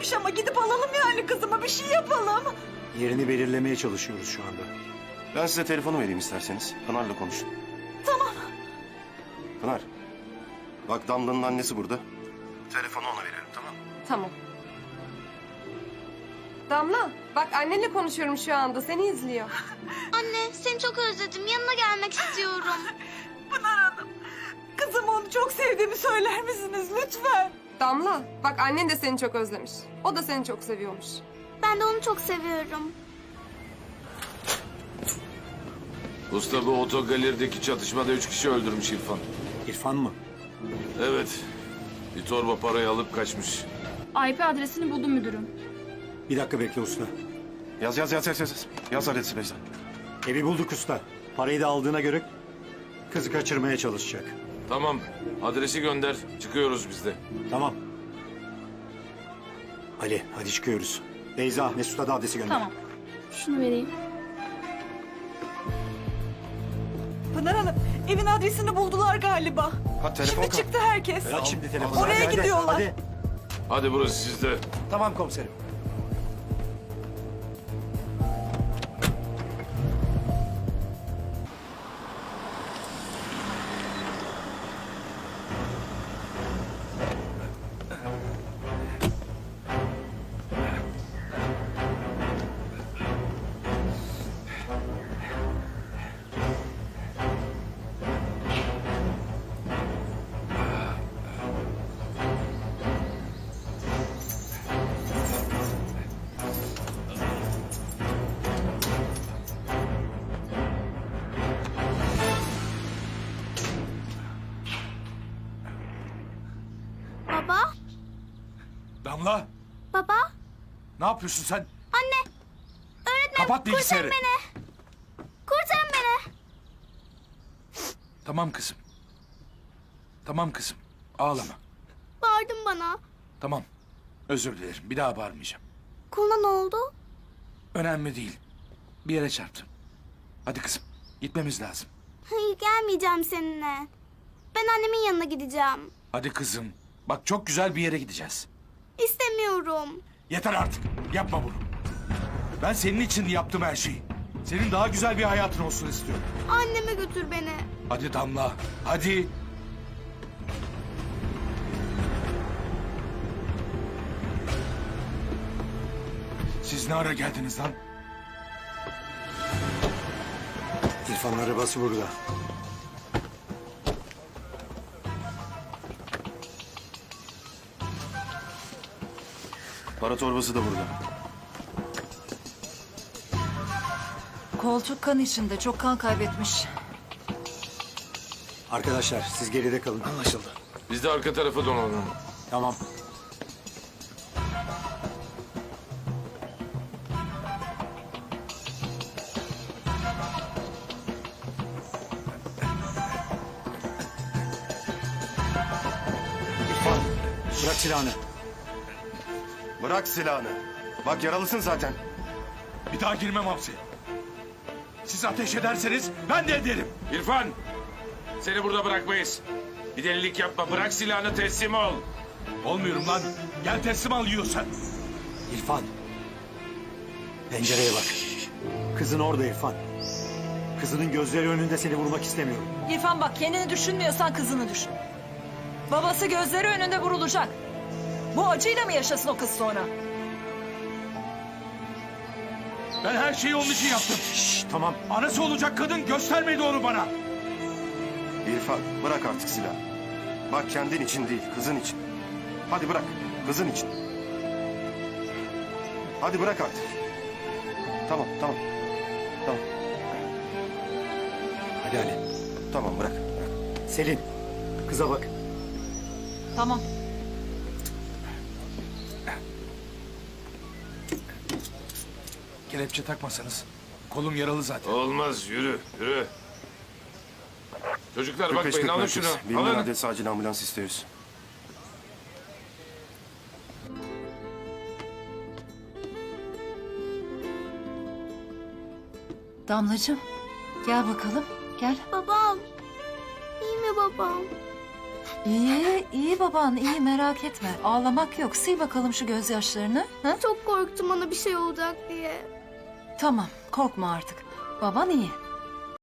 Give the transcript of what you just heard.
değilmiş ama gidip alalım yani kızımı, bir şey yapalım. Yerini belirlemeye çalışıyoruz şu anda. Ben size telefonu vereyim isterseniz. Pınar'la konuşun. Tamam. Pınar. Bak Damla'nın annesi burada. Telefonu ona verelim, tamam mı? Tamam. Damla, bak annenle konuşuyorum şu anda. Seni izliyor. Anne seni çok özledim. Yanına gelmek istiyorum. Pınar Hanım, kızıma onu çok sevdiğimi söyler misiniz lütfen? Damla, bak annen de seni çok özlemiş. O da seni çok seviyormuş. Ben de onu çok seviyorum. Usta, bu otogalerideki çatışmada 3 kişi öldürmüş İrfan. İrfan mı? Evet. Bir torba parayı alıp kaçmış. IP adresini buldum müdürüm. Bir dakika bekle usta. Yaz. Yaz adresi Beyza. Evi bulduk usta. Parayı da aldığına göre kızı kaçırmaya çalışacak. Tamam. Adresi gönder. Çıkıyoruz biz de. Tamam. Ali hadi çıkıyoruz. Beyza, Mesut'a da adresi gönder. Tamam. Şunu vereyim. Pınar Hanım, evin adresini buldular galiba. Ha, telefon Şimdi çıktı herkes. Aç şimdi telefonu. Oraya gidiyorlar. Hadi. Hadi burası sizde. Tamam komiserim. Baba, Damla, baba, ne yapıyorsun sen? anne. Öğretmenim Kapat bilgisayarı. kurtarın beni. Kurtarın beni. Tamam kızım. Tamam kızım, ağlama. Bağırdın bana. Tamam, özür dilerim. Bir daha bağırmayacağım. Koluna ne oldu? Önemli değil. Bir yere çarptım. Hadi kızım, gitmemiz lazım. Hayır gelmeyeceğim seninle. Ben annemin yanına gideceğim. Hadi kızım. Bak çok güzel bir yere gideceğiz. İstemiyorum. Yeter artık. Yapma bunu. Ben senin için yaptım her şeyi. Senin daha güzel bir hayatın olsun istiyorum. Anneme götür beni. Hadi Damla, hadi. Siz ne ara geldiniz lan? İrfan'ın arabası burada. Para torbası da burada. Koltuk kan içinde, çok kan kaybetmiş. Arkadaşlar siz geride kalın. Anlaşıldı. Biz de arka tarafa donalım. Tamam. İrfan, bırak silahını. Bırak silahını. Bak yaralısın zaten. Bir daha girmem hapse. Siz ateş ederseniz ben de ederim. İrfan! Seni burada bırakmayız. Bir delilik yapma. Bırak silahını, teslim ol. Olmuyorum lan. Gel teslim al yiyorsan. İrfan. Pencereye bak. Kızın orada İrfan. Kızının gözleri önünde seni vurmak istemiyorum. İrfan bak, kendini düşünmüyorsan kızını düşün. Babası gözleri önünde vurulacak. Bu acıyla mı yaşasın o kız sonra? Ben her şeyi onun için yaptım. Şşş tamam. Anası olacak kadın göstermedi onu bana. İrfan bırak artık silahı. Bak kendin için değil, kızın için. Hadi bırak, kızın için. Hadi bırak artık. Tamam. Tamam, Hadi Ali. tamam bırak. Selin. Kıza bak. Tamam. Kelepçe takmasanız. Kolum yaralı zaten. Olmaz. Yürü. Çocuklar 45-40 bakmayın. Alın merkez. şunu. Bilinmeyen Alın. adres acil ambulans istiyoruz. Damlacığım, gel bakalım, gel. Babam. İyi mi babam? İyi, iyi baban, iyi merak etme. Ağlamak yok. Sil bakalım şu gözyaşlarını. Ha? Çok korktum ona bir şey olacak diye. Tamam, korkma artık. Baban iyi.